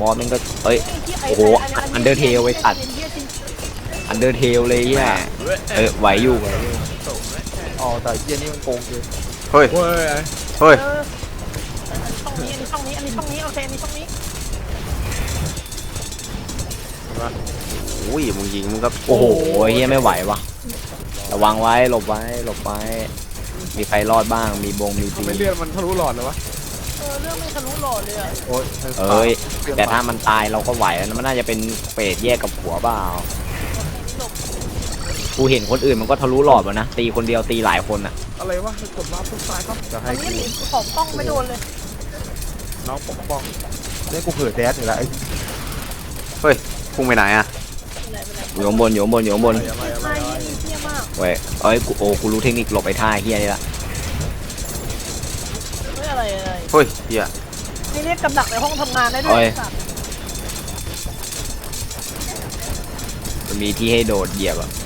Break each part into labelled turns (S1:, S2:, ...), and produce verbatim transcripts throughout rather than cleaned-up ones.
S1: อสมันก็เอ้ยโอ้โหอันเดอร์เทลไว้ตัดอันเดอร์เทลเลยอ่ะเออไหวอยู่
S2: อ๋อแต่เยี่ยนี่มันโกงเลย
S3: เฮ้ย
S4: เฮ้ย
S3: เฮ้ย
S5: ช่องนี้อันนี้ช่องนี้อันนี้ช่องนี้โอเคอันนี้ช่องนี้
S3: อุ้ยมึงยิงมึงก็
S1: โอ้โหเฮียไม่ไหววะระวังไว้หลบไว้หลบไว้มีใครรอดบ้างมีบงมีปี
S4: ไม่เลือดมันทะลุหลอดเลยวะ
S5: เออเรื่องไม่ทะลุหลอดเลยอ่ะ
S2: โอ้ย
S1: เอ้ยแต่ถ้ามันตายเราก็ไหวแล้วมันน่าจะเป็นเปรตแยกกับหัวเปล่ากูเห็นคนอื่นมันก็ทะลุหลอดวะนะตีคนเดียวตีหลายคนอ่ะ
S4: อะไรวะกดรับทุกสายครับ
S2: จะ
S5: อั
S2: ให้
S5: น
S2: กู
S5: นี้ของป้องไม่โดนเลย
S4: น้องปกป้อง
S2: เล่นกูเผื่อแดดอยู่แล้วไอ้
S3: เฮ้ยพุ่งไปไหนอะ
S5: ไปไหนไปไหน
S1: อยู่ข้างบนอยู่ข้างบนอยู่ข้างบน
S4: อะไรอะไร
S5: ไม่
S4: อะไร
S5: นี่เที่ยมาก
S1: เว้ยเอ้ยกูโอ้กูรู้เทคนิคหลบไอ้ท่าเฮียนี่ละ
S5: เฮ้ยอะไรอะไร
S3: เฮ้ยเฮีย
S5: นี่เรียกกำดักในห้องทำงานได้ด้วยสัตว์
S1: มันมีที่ให้โดดเหยียบอ่ะ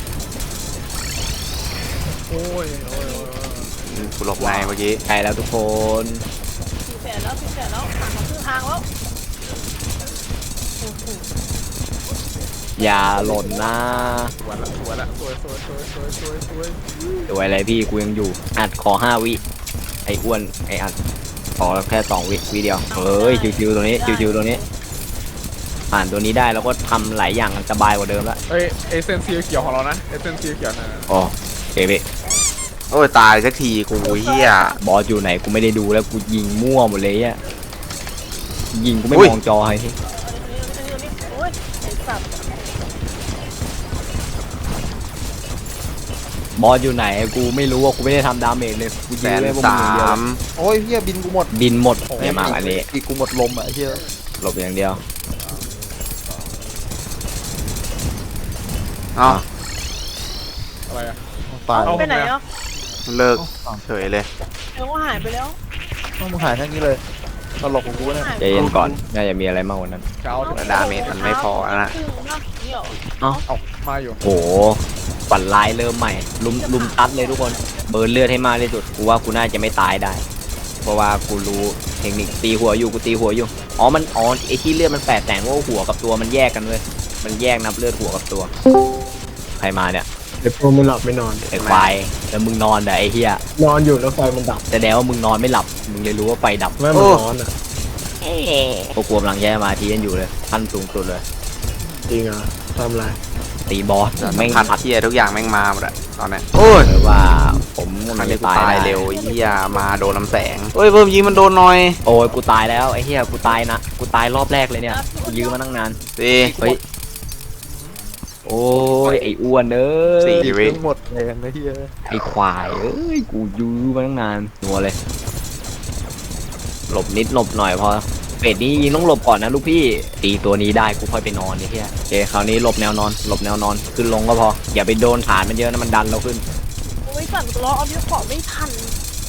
S4: โอ้ยโอ้ย
S3: กูหลบในเมื่อกี้
S1: ใกล้แล้วทุกคน
S5: สี่แสนแล้วสี่แสนแล้วผ่านมาครึ่งทางแล้วโอ้โห
S1: อย่าหล่นนะ
S4: สวยละสวยละสวยสวยสวยสวยสวยสวย
S1: สวยอะไรพี่กูยังอยู่อัดขอห้าวิไอ้อ้วนไอ้อัดขอแค่สองวิวิเดียวเฮ้ยชิวๆตัวนี้ชิวๆตัวนี้ผ่านตัวนี้ได้แล้วก็ทำหลายอย่างสบายกว่าเดิมแล้ว
S4: เอ้ยเอเซนซีเขียวของเรานะเอเซนซีเขียวนะ
S1: อ๋อเอเบ
S3: โอ้ยตายสักทีกูเฮีย
S1: บอสอยู่ไหนกูไม่ได้ดูแล้วกูยิงมั่วหมดเลยอ่ะยิงกูไม่
S3: อุ้ย
S1: มองจอให้
S5: อันนี้อันนี้อันนี้โอ้ยไอ้สัตว์
S1: บอสอยู่ไหนกูไม่รู้ว่ากูไม่ได้ทำดาเมจเลยกู
S3: แส
S1: ยิง
S3: น
S1: เลยพวกมึ
S3: สาง
S1: อย่างเดียว
S3: ม
S2: โอ้ยเฮียบินกูหมด
S1: บินหมดเนี่ยมาอันนี้
S2: อีกกูหมดลมอ่ะไอ้เฮีย
S1: หลบอย่างเดียว
S3: เอ้า
S4: อะไรอะ
S2: ตาย
S4: เอา
S5: ไปไหนอ่ะ
S3: เลิกเฉยเลย
S5: เดี๋ยวก็หายไปแล้ว
S2: ต้องมึงหายแค่นี้เลยตลกของกูเนี่ย
S1: ใจเย็นก่อนน่าจะมีอะไรมากกว่านั้น
S4: เช้า
S3: แต่ดาเมจมันไม่พอแล้วนะ
S5: ครึ่งนะนี่เหรอ
S4: เอามาอยู่
S1: โหฝันร้ายเริ่มใหม่ลุมลุมตัดเลยทุกคนเบิร์นเลือดให้มากที่สุดกูว่ากูน่าจะไม่ตายได้ เพราะว่ากูรู้เทคนิคตีหัวอยู่กูตีหัวอยู่อ๋อมันอ๋อไอที่เลือดมันแปดแสนเพราะว่าหัวกับตัวมันแยกกันเลยมันแยกนับเลือดหัวกับตัวใครมาเนี่ย
S6: เดี๋ยวพวกมึงหลับไม่นอน
S1: ไอ้ควายแล้วมึงนอนแต่ไอ้เหี้ย
S6: นอนอยู่แล้วไฟมันดับ
S1: แสดงว่ามึงนอนไม่หลับมึงเลยรู้ว่าไฟดับ
S6: แม่มันร้อนอ่ะ
S1: พวกกูกำลังแย่มาทีกันอยู่เลยขั้นสูงสุดเลย
S6: จริงอ่ะทำไร
S1: ตีบอส
S3: แต่
S1: ไม่ง
S3: พัน
S1: ผัด
S3: เฮียทุกอย่างแม่งมาหมดอะตอนเนี้ยโอ้ย
S1: เลยว่าผมกำ
S3: มั
S1: ลั
S3: น
S1: ง
S3: นี้
S1: จะ
S3: กู
S1: ตาย
S3: ตาย
S1: ได้
S3: เร็วเฮียมาโดนลำแสงเฮ้ยเพิ่มยิงมันโดนหน่อย
S1: โอ้ยกูตายแล้วไอ้เหี้ยกูตายนะกูตายรอบแรกเลยเนี่ยกูยื้อมาตั้งนาน
S3: สี่
S1: เฮ้ยโอ้ยไอ้อ้วนเอ้ย
S3: สี่
S2: อีก
S3: วิ
S2: ทั้งหมดแรงนะเฮีย
S1: ไอ้ควายเอ้ยกูยื้อมาตั้งนานนัวเลย หลบนิดหลบหน่อยพอเป็ดนี้ยิงต้องหลบก่อนนะลูกพี่ตีตัวนี้ได้กูค่อยไปนอนนี่เฮียโอเคคราวนี้หลบแนวนอนหลบแนวนอนขึ้นลงก็พออย่าไปโดนฐานมันเยอะนะมันดันเราขึ้น
S5: โอ้ยสั่นล้อเอาเยอะขอไม่ทัน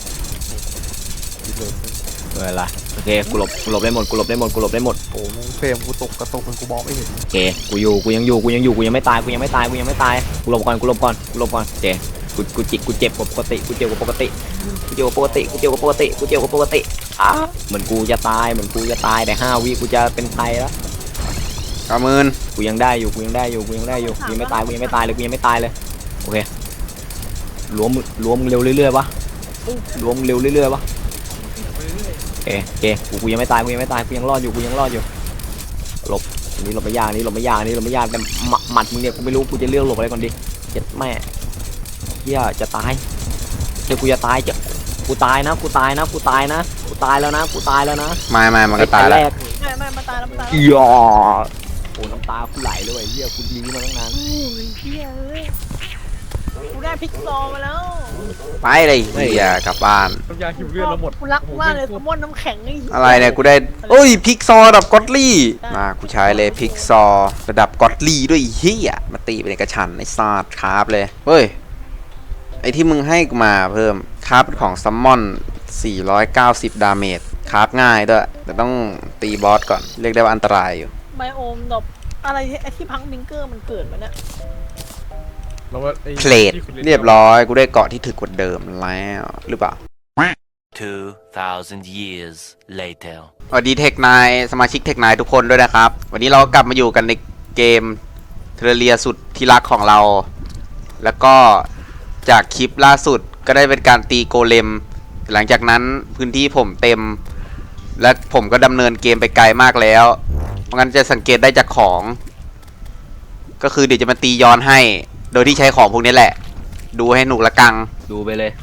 S1: เออละโอเคกูหลบกูหลบได้หมดกูหลบได้หมดกูหลบได้หมด
S2: โอ้มึงเฟรมกูตกกระตกมันกูมองไม่เห็น
S1: โอเคกูอยู่กูยังอยู่กูยังอยู่กูยังไม่ตายกูยังไม่ตายกูยังไม่ตายกูหลบก่อนกูหลบก่อนกูหลบก่อนโอเคกูกูจิกกูเจ็บกว่าปกติกูเจ็บกว่าปกติกูเจ็บกว่าปกติกูเจ็บกว่าปกติกูเจ็บกว่าปกติอ่ะเหมือนกูจะตายเหมือนกูจะตายแต่ห้าวิกูจะเป็นไทยแล้ว
S3: กระมืน
S1: กูยังได้อยู่กูยังได้อยู่กูยังได้อยู่กูยังไม่ตายกูยังไม่ตายเลยกูยังไม่ตายเลยโอเคล้วมล้วมเร็วเรื่อยๆวะล้วมเร็วเรื่อยๆวะโอเคโอเคกูกูยังไม่ตายกูยังไม่ตายกูยังรอดอยู่กูยังรอดอยู่หลบอันนี้หลบไม่ยากอันนี้หลบไม่ยากอันนี้หลบไม่ยากแต่หมัดหมัดมึงเนี่ยกูไม่รู้กูจะเลือกหลบอะไรก่อนดีเจ็ดแม่เฮียจะตายเดี๋ยวกูจะตายจะกูตายนะกูตายนะกูตายนะกูตายแล้วนะกูตายแล้วนะ
S3: ไม่ไม่มันก็ตาย
S1: แร
S3: แล้ว
S1: ก
S5: ไม่ไม่มาตายแล้วมาตาย
S1: อี
S5: แล้ว
S1: ยอโอ้น้ำตากูไหลเลยเว้ยเฮียกูยื้อมาตั้งนาน
S5: โอ้ยเฮียเอ้ยกูได้พิกซอมาแล้ว
S3: ไปเลยเฮียกลับบ้าน
S4: น้ำยาคิวเลือดเราหมด
S5: กูรักมากเลยสมมติน้ำแข็งไอ้
S3: อะไรเนี่ยกูได้โอ้ยพิกซอระดับก็อตลี่มากูใช้เลยพิกซอระดับก็อตลี่ด้วยเฮียมาตีเป็นกระชันไอ้ซาดคราฟเลยเฮ้ยไอที่มึงให้กูมาเพิ่มคราฟเป็นของซัมมอนสี่ร้อยเก้าสิบดาเมจคราฟง่ายด้วยแต่ต้องตีบอสก่อนเรียกได้ว่าอันตรายอยู่
S5: ไบโอมดอกอะไรที่ไอ้ที่พังบิงเกอร์มันเกิดมาเนี่ย
S4: เราว่าไอ้
S3: เพลทเรียบร้อยกูได้เกาะที่ถึกกว่าเดิมแล้วหรือเปล่า
S7: two thousand years later
S3: สวัสดีเทคนายสมาชิกเทคนายทุกคนด้วยนะครับ วันนี้เรากลับมาอยู่กันในเกมเทเรเลียสุดที่รักของเรา แล้วก็จากคลิปล่าสุดก็ได้เป็นการตีโกเลม หลังจากนั้นพื้นที่ผมเต็ม และผมก็ดำเนินเกมไปไกลมากแล้ว เพราะงั้นจะสังเกตได้จากของ ก็คือเดี๋ยวจะมาตีย้อนให้ โดยที่ใช้ของพวกนี้แหละ ดูให้หนุกละกัง
S1: ดูไปเลย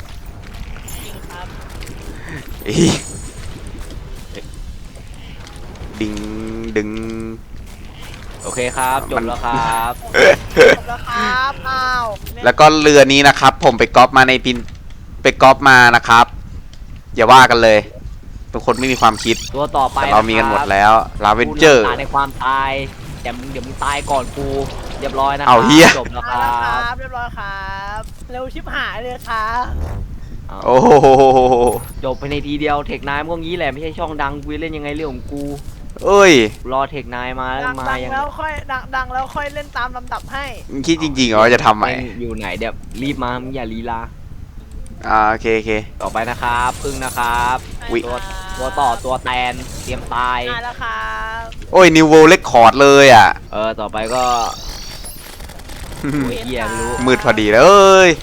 S3: อีดึงดึง
S1: โอเคครับจบแล้วครับ
S5: จบแล้วครับอ้าว
S3: แล้วก็เรือนี้นะครับ ผมไปก๊อปมาในพินไปก๊อปมานะครับ อย่าว่ากันเลยเป็นคนไม่มีความคิด
S1: ตัวต่อไป
S3: แต่เรามีกันหมดแล้วลาเวนเจอร์
S1: กูในความตายแต่มึงเดี๋ยวมึงตายก่อนกูเรียบร้อยนะ
S3: เอาเหี้ย
S1: จบแล้วค
S5: มา
S1: รั
S5: แล้วครับ บเรียบร้อยครับเร็วชิบหายเลยครับ
S3: โอ้โห
S1: จบไปในทีเดียวเทคนายมันก็งี้แหละไม่ใช่ช่องดังกูจะเล่นยังไงเรื่องของกู
S3: เอ้ย
S1: รอเทคนายมาแล้ว
S5: ดัง
S1: มา
S5: ดัง
S1: ยัง
S5: แล้วค่อยดังดังแล้วค่อยเล่นตามลำดับให้
S3: มึงคิดจริงๆเหรอว่าจะทำใหม่
S1: แม่งอยู่ไหนเดี๋ยวรีบมามึงอย่าลีลา
S3: อ่าโอเคโอเค
S1: ต่อไปนะครับพึ่งนะครับ
S3: อุ๊ย
S1: ตัวตัวต่อตัวแตนเตรียมตาย
S5: มาแล้วครับ
S3: โอ้ยนิวเวลเลคคอร์ดเลยอ่ะ
S1: เออต่อไปก็โอ้ยเฮียไม่รู้
S3: มืดพอดีเลยเอ้ย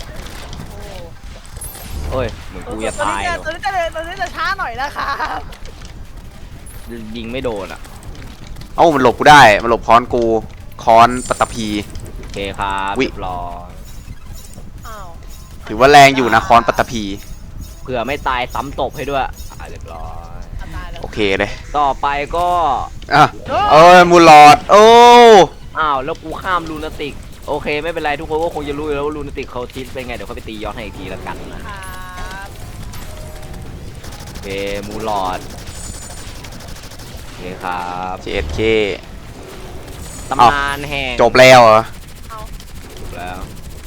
S1: โอ้ยเหมือนกูจะตาย
S5: ตัวนี้จะตัวนี้จะตัวนี้จะช้าหน่อยนะครับ
S1: ยิงไม่โดนอ่ะ
S3: เอ้ามันหลบกูได้มันหลบค้อนกูค้อนปัตตภี
S1: โอเคครับ
S3: วิ
S1: เรียบร้อย
S5: อ้าว
S3: ถือว่าแรงอยู่นะค้อนปัตตภี
S1: เผื่อไม่ตายซ้ำตบให้ด้วยอ่ะเรียบร้อย
S5: ตายแล้ว
S3: โอเคเลย
S1: ต่อไปก็
S3: อ่ะเอ้ยมูลอดโอ้
S1: อ้าวแล้วกูข้ามลูนาติกโอเคไม่เป็นไรทุกคนก็คงจะรู้อยู่แล้วว่าลูนาติกเขาทิศเป็นไงเดี๋ยวเขาไปตีย้อนให้อีกทีละกันนะ
S5: ครับ
S1: โอเคมูลอดโอเคครับ
S3: เจ็ดเค
S1: ตำนานแห่ง
S3: จบแล้วเหรอ
S1: จบแล้ว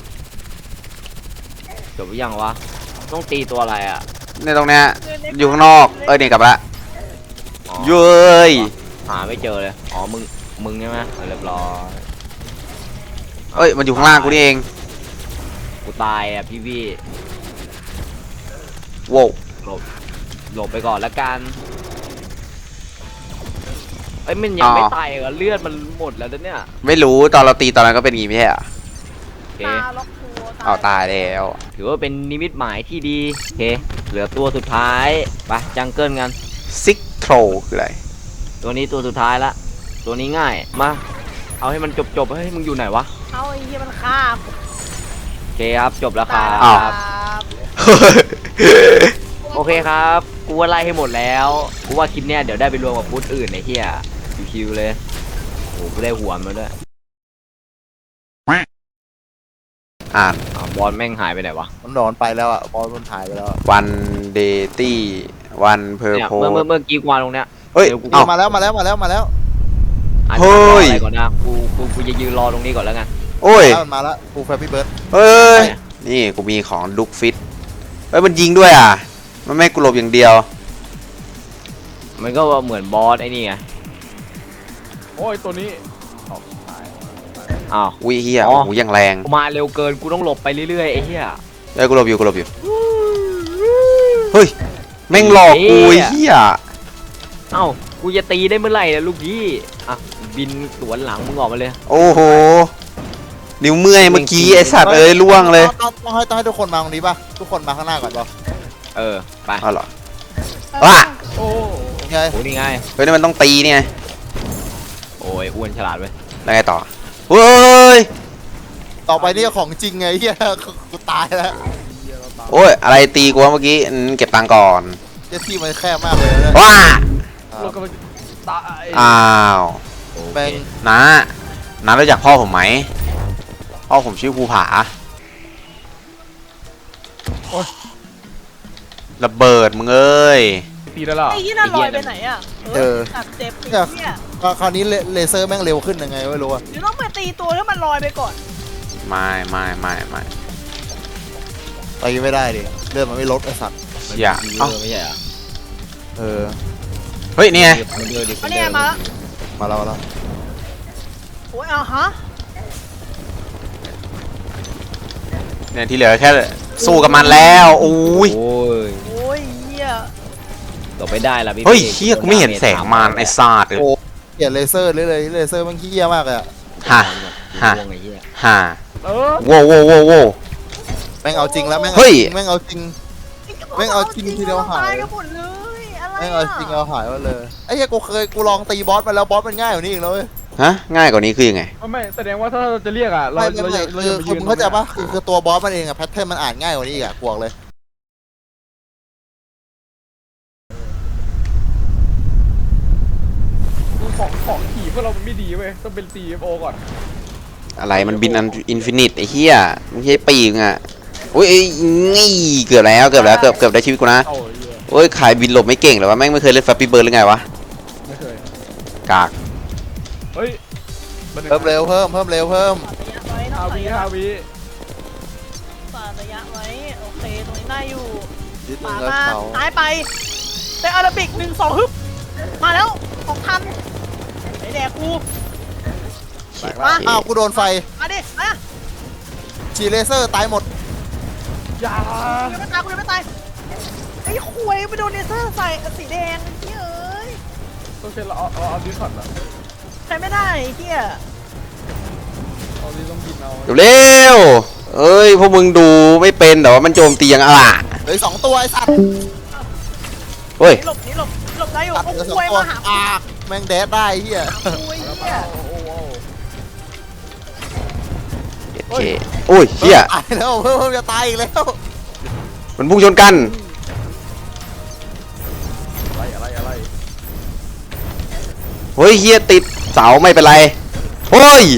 S1: จบหรือยังวะต้องตีตัวอะไรอ่ะ
S3: ในตรงเนี้ยอยู่ข้างนอกเอ้ยนี่กลับละ
S1: อ๋อ
S3: เย้ย
S1: หาไม่เจอเลยอ๋อมึงมึงใช่ไหมเรียบร้อย
S3: เอ้ยมันอยู่ข้างล่างกูนี่เอง
S1: กูตายอ่ะพี่พี่
S3: โว้ว
S1: หลบหลบไปก่อนละกันเอ้ยมันยังไม่ตายเหรอเลือดมันหมดแล้วเนี่ย
S3: ไม่รู้ตอนเราตีตอนนั้นก็เป็นอย่างงี้ไม่ใช่เหรอ
S1: โอเค
S5: ตาล็อกตัว
S3: เอาตายแล้ว
S1: ถือว่าเป็นนิมิตหมายที่ดีโอเคเหลือตัวสุดท้ายไปจังเกิลกัน
S3: ซิกโทรคืออะไร
S1: ตัวนี้ตัวสุดท้ายละตัวนี้ง่ายมาเอาให้มันจบจบๆเฮ้ยมึงอยู่ไหนวะ
S5: เอาไอ้เหี้ยมันฆ่า
S1: โอเคครับจบแล้วครั
S5: ตาย
S1: บ
S5: ครับ
S1: โอเคครับกูว่าไล่ให้หมดแล้วกูว่าคลิปเนี้ยเดี๋ยวได้ไปรวมกับพูดอื่นไอ้เหี้ยชิวๆเลยโอ้กูได้หัวมาด้วย
S3: อ่าน
S1: อ้าวบอลแม่งหายไปไหนวะ
S2: มันนอนไปแล้วอ่ะบอลมันหายไปแล้วอะ
S3: วันเดตี้วันเพอร์
S1: เนี่ย
S3: โพ
S1: เมื่อเมื่อเมื่อกี้กวางตรงเนี้ย
S3: เฮ้ย
S1: เดี๋ยวกู
S3: เอ้า
S2: มาแล้วมาแล้วมาแล้วมาแล้ว
S1: อาจ
S3: เฮ้
S1: จะรอย อะไรก่อนนะกูกูกูจะยืนรอตรงนี้ก่อนแล้วกัน
S3: โอ้ย
S2: แล้วมันมาแล้วกูแฟปี้เบิร์ด
S3: เอ้ย
S1: ไหนอะ
S3: นี่กูมีของดุกฟิตเอ้ยมันยิงด้วยอ่ะมันไม่ให้กูหลบอย่างเดียว
S1: มันก็เหมือนบอสไอ้นี่ไง
S4: โอ้ยตัวนี้
S1: อ้าว
S3: อุ้ยเฮีย
S1: อ๋อ
S3: โอ้โหยังแรง
S1: กูมาเร็วเกินกูต้องหลบไปเรื่อยๆไอ้เหี้ย
S3: เอ้ยกูหลบอยู่กูหลบอยู่เฮ้ยแม่งหลอกกู
S1: เหี้
S3: ไอ้
S1: ย
S3: เฮีย
S1: เอ้ากูจะตีได้เมื่อไหร่นะลูกพี่อ่ะบินสวนหลังมึงออกมาเลย
S3: โอ้โหนิ้วเมื่อยเมื่อกี้ไอสัตว์เอ้ยล่วงเลย
S2: ต้องต้องให้ต้องให้ทุกคนมาตรงนี้ป่ะทุกคนมาข้างหน้าก่อนป่ะ
S1: เออไป
S3: อ้าวเหรอ ว่ะ
S4: โอ้
S2: ไง
S1: โอ้นี่ไง
S3: เฮ้ยนี่มันต้องตีเนี่ย
S1: โอ้ยอ้วนฉลาดเว้ย
S3: แล้วไงต่อเฮ้ย
S2: ต่อไปนี่ของจริงไงเฮียกูตายแล้ว
S3: โอ้ยอะไรตีกูวะเมื่อกี้อืมเก็บตังค์ก่อน
S2: เจสซี่มันแคบมากเลยนะ
S3: ว้า
S4: โลกกำลังตาย
S3: อ้าว
S1: โอ
S2: แบ
S1: เค
S2: ง
S3: น้าน้ารู้จักพ่อผมไหมพ่อผมชื่อภูผาระเบิดมึงเอ้ย
S4: ตีได้แล้ว
S5: ไอ้ยี่น่าลอยไปไหนอ่ะเออตัดเจ็บไอ้เนี่ย
S2: ก็คราวนี้เลเลเซอร์แม่งเร็วขึ้นยังไงไม่รู้อะ
S5: เดี๋ยวต้องไปตีตัวแล้วมันลอยไปก่อน
S3: ไม่ไม่ไม่ไม่
S2: ตีไม่ได้ดิเลือดมันไม่ลดไอ้สัตว์
S3: อย่า
S1: มัน
S3: เอ้า
S1: ไม่ใช่เหรอ
S2: เออ
S3: เฮ้ยนี่ไง
S1: มันเดินดิ
S5: อันนี้มาแล้ว
S2: มาแล้วมาแล้ว
S5: โอ้ยเอาฮะ
S3: เนี่ยที่เหลือแค่สู้กับมันแล้วอุ้ย
S1: โอ้ย
S5: โอ้ยเหี้ย
S1: หลบไม่ได้ละพี่
S3: เฮ้ยเฮียกูไม่เห็นแสงมารไอ้ซาดเลย
S2: โอ้เกลียดเลเซอร์เลยเลยเลเซอร์มันขี้เหี้ยมากเลยอะ
S3: ฮะฮะ
S1: วงไอ้เหี้ย
S3: ฮะ
S4: เออ
S3: โว้โว้โว้โว้
S2: แม่งเอาจริงแล้วแม่ง
S3: เฮ้
S2: เอา
S3: ย
S2: จริงแม่งเอาจริง แม่งเอาจริงทีเดียวหาย
S5: ตายกันหมดเลยอะไร
S2: แม่งเอาจริงเอาหายมาเลยไอ้เหี้ยกูเคยกูลองตีบอสมาแล้วบอสมันง่ายกว่านี้อีกแล้วเว้ย
S3: ฮะง่ายกว่านี้คือยังไง
S4: ไม่ไม่แสดงว่าถ้าเราจะเรียกอ่ะเรา
S2: ไม่ไม่
S4: เรา
S2: ไม่
S4: อย่าเรา
S2: คือ
S4: อย่าไป
S2: คือ
S4: ยืน
S2: มึงเข้าใจปะคือคือตัวบอสมันเองอะแพทเทิร์นมันอ่านง่ายกว่านี้อีกอะกวกเลย
S4: ของของขี่พวกเรามันไม่ดีเว้ยต้องเป็น ซี เอฟ โอ ก่อน
S3: อะไรมันบินอันอินฟินิตไอ้เหี้ยไม่ใช่ปีกอ่ะอุ้ยเอ้ยงี้เกือบแล้วเกือบแล้วเกือบเกือบได้ชีวิตกูนะ
S4: เอาไอ้เหี้ย
S3: โอ้ยขายบินหลบไม่เก่งหรอวะแม่งไม่เคยเล่นแฟปปี้เบิร์ดหรือไงวะ
S4: ไม่เคย
S3: กาก
S4: เฮ้ย
S2: เพิ่มเร็วเพิ่มเพิ่มเร็วเพิ่ม
S5: ฝากระยะไว้
S4: ฮา
S5: ต้อง
S4: วิ
S5: ฝาก
S4: ฮาวิ
S5: ระยะไว้โอเคตรงนี้ได้อยู่
S2: นิดนึ
S5: ป่าง
S2: แล้ว
S5: มา
S2: เขา
S5: ซ้ายไปเตะอาราบิกหนึ่งสองฮึบมาแล้วของทันไอแดกกู
S3: เชี่ย
S5: มา
S2: อ้าวกูโดนไฟ
S5: มาดิมา
S2: ฉีดเลเซอร์ตายหมด
S4: อย่า
S5: กูยังไม่ตายกูยังไม่ตายไอ้คุยไปโดนเลเซอร์ใส่สีแดงไอ้เหี้ยเอ้ย
S4: ต้องใช้เราเอาเอาเอาดิสคอร์ดอะ
S5: ใช้ไม่ได้ไอ้เหี้ย
S4: เอาดิต้องบินเอา
S3: เร็วเอ้ยพวกมึงดูไม่เป็นแต่ว่ามันโจมตียังอ่ะ
S2: เหลืออกสองตัวไอ้สัตว์
S3: เฮ้ย
S5: หลบนี่หลบหลบได้อยู่
S2: ตัด
S5: โอ้
S2: เหลือสอง
S5: คุย
S2: ตัว
S5: มาหา
S2: อ่าแม่งแดดได้เฮีย
S5: คุยเหี้ย
S4: โอ้โห
S3: โอเคโอ้ยเชี่ย
S2: ตายแล้วเพิ่มเพิ่มจะตายอีกแล้ว
S3: มันพุ่งชนกัน
S4: อะไรอะไรอะไร
S3: เฮ้ยเฮียติดเสาไม่เป็นไรเฮ้ย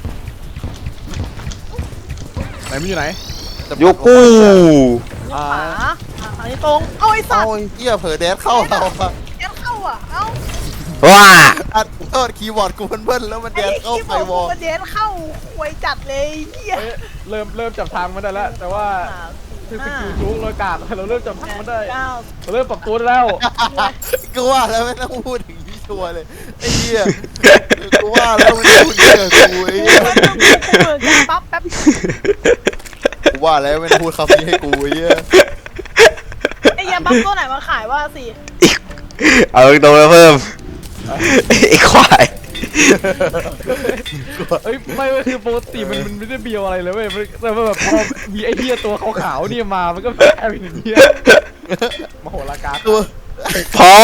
S4: ไหนมันอยู่ไหน
S3: โยกู
S4: อ่า
S5: ขวาอ่ะอันนี้ตรงเอาไอ้สั
S2: เอา
S5: ตว์
S2: ไอ้เฮียเผลอแดดเข้าเราอะ
S5: แกเข้าอ่ะเอ้า
S3: ว้า
S2: อัดโทษคีย์บอร์ดกูเบิ้ลๆแล้วมันแด
S5: ไอ้
S2: ดเข้า
S5: ที่
S2: ไฟ
S5: บอก
S2: วอล
S5: มันเดนเข้าคุยจัดเลยเหี้ย
S4: เฮ้ยเริ่มเริ่มจับทางมันได้แล้ว แต่ว่าคือสกิลจุกเรากาดเราเริ่มจับทางมันได้
S5: เก้า
S4: เราเริ่มปรับตัวได้แล้ว
S2: กูว่าแล้วไม่ต้องพูดถึงที่ชัวร์เลยไอ้เหี้ยกูว่าแล้วมันพูดเยอะกูไอ้เหี้ย
S5: เปิดการปั๊บแป๊บ
S2: กูว่าแล้วไม่ต้องพูดคำนี้ให้กูไอ้เหี้ย
S5: ไอ้ยาปั๊บตัวไหนมาขายว่าสิ
S3: เอาโดนมาเพิ่มไอ้ควาย
S4: เฮ้ยไม่ไม่คือปกติมันมันไม่ได้เบียวอะไรเลยเว้ยมันแต่ว่าแบบพอมีไอ้เหี้ยตัวขาวๆเนี่ยมามันก็แพ้ไปอย่างเงี้ยมโหฬารการ
S2: ตัว
S3: พอ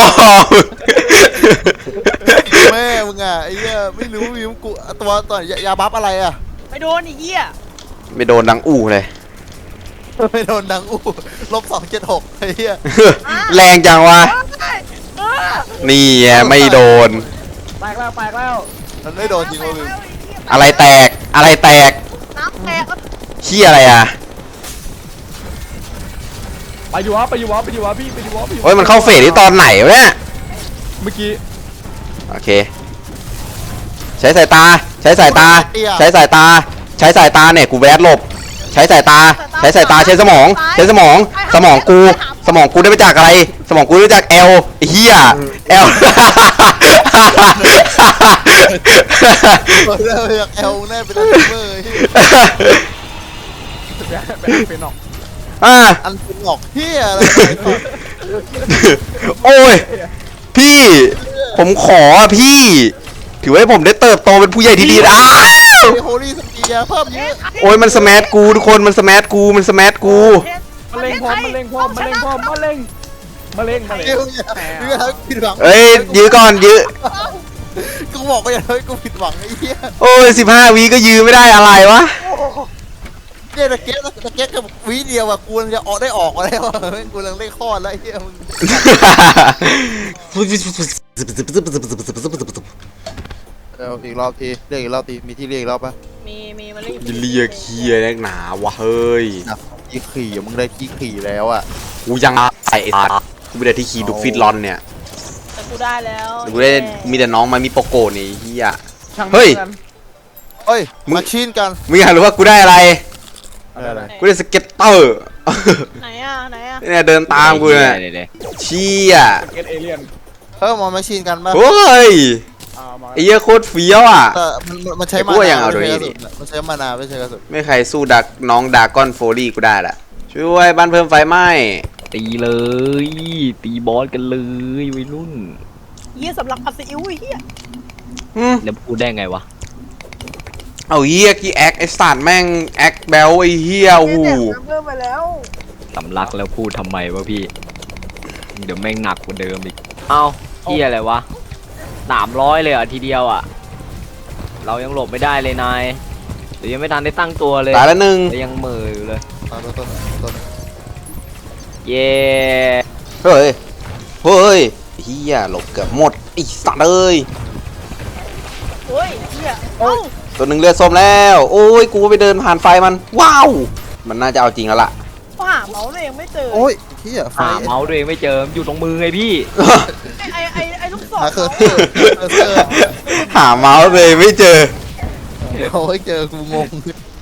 S2: แม่มึงอ่ะไอ้เหี้ยไม่รู้วิวกูตัวตัวยาบัฟอะไรอ่ะ
S5: ไปโดนไอ้เหี้ย
S3: ไม่โดนดังอู้เลย
S2: ไม่โดนดังอู้ลบสองเจ็ดหกไอ้เหี้ย
S3: แรงจังวะ
S5: เออ
S3: นี่ไงไม่โดน
S4: แตกแล้วแตกแล้ว
S2: มันไม่โดนจริงวะวิว
S3: อะไรแตกอะไรแตก
S5: น้ำแตก
S3: เชี่ยอะไรอ่ะ
S4: ไปอยู่วะไปอยู่วะไปอยู่วะพี่ไปอยู่วะไปอยู่วะ
S3: โอ้ยมันเข้าเฟสที่ตอนไหนวะเนี่ย
S4: เมื่อกี้
S3: โอเค ใช้สายตาใช้สายตา ใช้สายตา ใช้สายตาเนี่ยกูแวดหลบ ใช้สายตา ใช้สายตาใช้สมอง ใช้สมอง สมองกู สมองกูได้มาจากอะไร สมองกูได้มาจากแอลเฮียแอล
S2: เปิดแล้วอยากแอลแน่เป็นอันเบอร์ไอ้เหี้ย
S4: แบบแบบเป็นออก
S3: อ่า
S2: อันเป็นหงอกเหี้ยอะไรก่อน
S3: โอ้ย พี่ ผมขออ่ะพี่ ถือว่าให้ผมได้เติบโตเป็นผู้ใหญ่ที่ดีนะอ้าว
S2: ไอ้โฮลี่สเปียร์เพิ่มเยอะ
S3: โอ้ยมันสแมทกูทุกคนมันสแมทกูมันสแมทกู
S4: มะเร็งพร้อมมะเร็งพร้อมมะเร็งพร้อมมะเร็งมะเร็งมะเร็ง
S2: เดี๋ยวอย่าเดี๋ยวทำให้ผิดหวัง
S3: เอ้ยยื้อก่อนยื้อ
S2: กูบอกไปอย่าทำให้กูผิดหวังไอ้เหี้ย
S3: โอ้ยสิบห้าวิก็ยื้อไม่ได้อะไรวะ
S2: เนี่ยตะเกียบตะเกียบกับวิเดียวอะกูจะออกได้ออกแล้วอะแม่งกูกำลังได้คลอดแล้วไอ้เหี้ยมึงเดี๋ยวอีกรอบทีเรียกอีกรอบทีมีที่เรียกอีกรอบปะ
S5: มีมีมาเล่น
S3: จะเรียกเคียนักหนาวะเฮ้ย
S2: นะที่ขี่มึงได้ที่ขี่แล้วอะ
S3: กูยังใส่ตากูไม่ได้ที่ขี่ดูฟิตลอนเนี่ย
S5: แต่กูได้แล้ว
S3: กูได้มีแต่น้องมามีโปโกนี่เฮีย
S4: ช่าง
S3: เฮ้ย
S4: มัน
S2: เฮ้ยมาชินกัน
S3: มึงอยากรู้ว่ากูได้อะไร
S2: อะไร
S3: กูได้สเก็ตเตอร์
S5: ไหนอ่ะไหนอ่ะ
S3: เนี่ยเดินตามกูเนี่ย
S1: ดี๋วดี๋ว
S3: เชี่ย
S4: เกตเอเลียน
S2: เพิ่มมามาชินกันปะ
S3: โอ้ย
S4: อ่ามา
S3: ไอ้เหี้ยโคตรเฟี้ยวอ่ะ
S2: แต่มันมันใช้
S3: ไอ้
S2: มา
S3: พวกยั
S2: นาง
S3: เอา
S2: ไม่
S3: ด้วย
S2: ใช่กระ
S3: นี่
S2: สุนมันใช้มานาไม่ใช่กระสุน
S3: ไม่ใครสู้ดักน้องดากอนโฟลี่กูได้ละช่วยบ้านเพิ่มไฟไหม้
S1: ตีเลย ตีบอสกันเลยวัยรุ่น
S5: เฮียสำหรับผัดซีอิ๊วไอ้เฮีย
S3: อืม
S1: แล้วพูดได้ไงวะ
S3: เอาเฮียกี่แอคไอ้สัตว์แม่งแอคแบลไอ้เฮียโอ้โห
S5: แดกเพิ่มไปแล้ว
S1: สำลักแล้วพูดทำไมวะพี่ เดี๋ยวแม่งหนักกว่าเดิมอีก เอ้าเฮียอะไรวะสามร้อยเลยเหรอ่ะทีเดียวอ่ะ เรายังหลบไม่ได้เลยนายเดี๋ยวยังไม่ทันได้ตั้งตัวเลย
S3: ตายแล้วหนึ่ง
S1: แต่ยังเหม่ออยู่เลย
S2: มาต้นต้นต้น
S1: เย้
S3: เฮ้ยเฮ้ยเฮียหลบเกือบหมดไอ้สัตว์เอ้ย
S5: โอ้ยเฮียเอ้า
S3: ตัวหนึ่งเลือดส้มแล้ว โอ้ยกูไปเดินผ่านไฟมันว้าวมันน่าจะเอาจริงแล้วล่ะ
S5: ก็หาเมาส์ตัวเองไม่เจอ
S2: โอ้ยเฮียไฟ
S1: หาเมาส์ตัวเองไม่เจออยู่ตรงมือไงพี่
S5: ไอไอไอไอลูกศร
S2: หาเคอร์
S5: เขา
S2: เซอร์เคอร์เซอร์
S3: หาเมาส์เลยไม่เจอ
S2: เอาให้เจอกูงง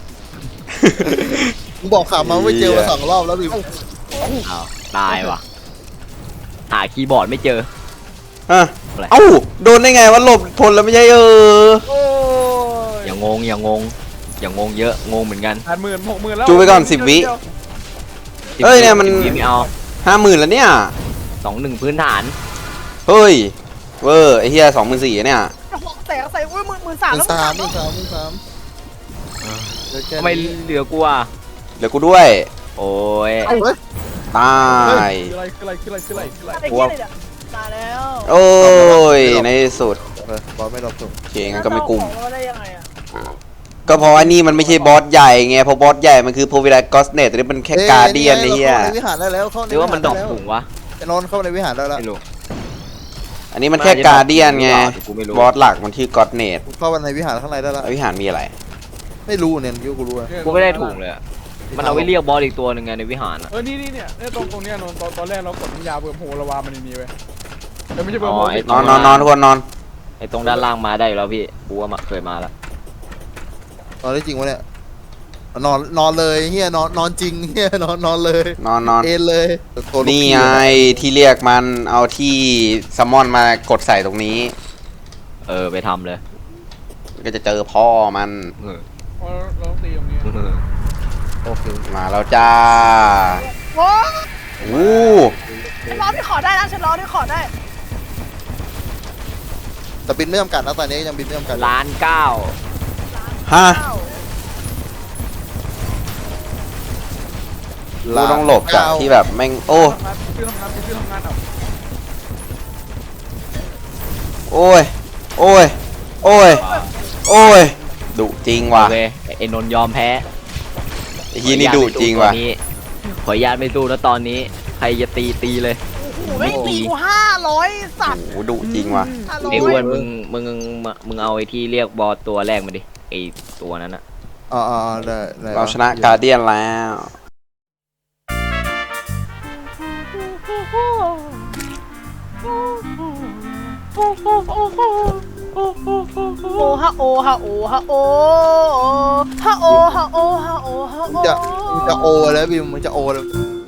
S2: กูบอกขามาไม่เจอมาสองรอบแล้วดิ
S1: อ้าวตายว่ะ หาคีย์บอร์ดไม่เจอ
S3: ฮะเอ้าโดนได้ไงวะหลบทนแล้วไม่ใช่เออ
S5: โอ้ย
S1: อย่างงงอย่างงงอย่างงงเยอะงงเหมือนกัน
S4: แปดหมื่นหกหมื่นแล้ว
S3: จูไปก่อนสิบวิ เอ้ยเนี่ยมัน
S1: สิบวิไม่เอา
S3: ห้าหมื่นแล้วเนี่ย
S1: สองหนึ่งพื้นฐาน
S3: เฮ้ยเวอร์ไอ้เฮียสองหมื่นสี่เนี่ย
S5: หกแสนใส่อุ้ยหมื่นหมื่นสาม
S2: หมื่
S5: แล้ว
S2: นสามหมื่นสามหมื่นสามเดี๋ยวแค่
S1: ทำไม
S2: นี้
S1: เหลือกูอ่ะ
S3: เหลือกูด้วย
S1: โอ้ย
S2: เฮ้ย
S3: ตาย
S4: คืออะไรคืออะไรคืออะไรคืออะไรคืออะไร
S5: ไอ้เฮียเลยเนี่ยมาแล้ว
S3: โอ้ยในที่สุด
S2: เออบอลไม่รอบถูก
S3: โอเคงั้นก็ไม่กลุ่ม
S5: แล้วเอาของเราได้ยังไงอะ
S3: ก็เพราะว่านี่มันไม่ใช่บอสใหญ่ไงเพราะบอสใหญ่มันคือโพวิลากอสเนตแต่นี่มันแค่การเดียนไอ้เหี้ย
S2: เข้าในวิหารได้แล้วเข้า
S1: ห
S2: ใน
S1: รือว่ามันดอก
S2: วิหร
S1: ถุงวะ
S2: ไอ้นอนเข้าในวิหารได้แล้ว
S1: ไม่รู้
S3: อันนี้มันแค่การเดียนไง
S1: กูไม่รู้
S3: บอสหลักมันชื่อกอสเนต
S2: กูเข้าไปในวิหารข้างในได้แล้ว
S3: วิหารมีอะไร
S2: ไม่รู้เนี่ยยูกูรู้อะ
S1: กูไม่ได้ถุงเลยอะมันเอาไว้เรียกบอสอีกตัวหนึ่งไงในวิหารอะ
S4: เออนี่นี่เนี่ยเนี่ยตรงตรงเนี้ยนนตอนตอนแรกเรากดน้ำยาเบิ่มโหระวามันนี่เว้ยเออไม่ใช่เบิ่มโห
S3: นอนนอนนอนทุกคนนอน
S1: ไอ้ตรงด้านล่างมาได้อยู่แล้วพี่กูว่ามาเคยมาแล้ว
S2: นอนได้จริงวะเนี่ยนอนนอนเลยเฮียนอนนอนจริงเฮียนอนนอนเลย
S3: นอนนอน
S2: เอ็นเลยตัวลูก
S3: นี่
S2: พี่
S3: ไงที่เรียกมันเอาที่ซัมมอนมากดใส่ตรงนี้
S1: เออไปทำเลย
S3: ก็จะเจอพ่อมัน
S1: เออ
S4: เพราะเราต้องตีตรงนี้
S1: เออ
S2: โอเค
S3: มาแล้วจ้า
S5: โอ้
S3: อู้
S5: ฉันร้องที่ขอได้นะฉันร้องที่ขอได้
S2: แต่บินไม่จำกัดนะตอนนี้ยังบินไม่จำกัด
S1: ล้านเก้า
S3: ฮะ
S5: อ้าว
S3: กูต้องหลบจากที่แบบแม่งโอ้
S4: ทำงานชื่อทำงานชื่อทำงานเอา
S3: โอ้ยโอ้ยโอ้ยโอ้ยดุจริงว่ะ
S1: โอเคไอ้นนท์ยอมแพ้
S3: ไอ้เฮียนี่ดุจริงว่ะ
S1: ขออนุญาตไม่สู้แล้วตอนนี้ใครจะตีตีเลย
S5: โอ้โหไม่ตีกูห้าร้อยสัตว์
S3: โอ้ดุจริงว่ะ
S5: ห้าร้อย
S1: ไอ้อ้วนมึงมึงมึงเอาไอ้ที่เรียกบอสตัวแรกมาดิไอ้ตัวนั้นอะ
S2: อ๋ออ๋อได้ได้
S3: เราชนะการเดียนแล้ว
S5: โอฮะโอฮะโอฮะโอฮะโอฮะโอฮะโอฮะโอ
S2: จะจะโอแล้วบิมมันจะโอแล้ว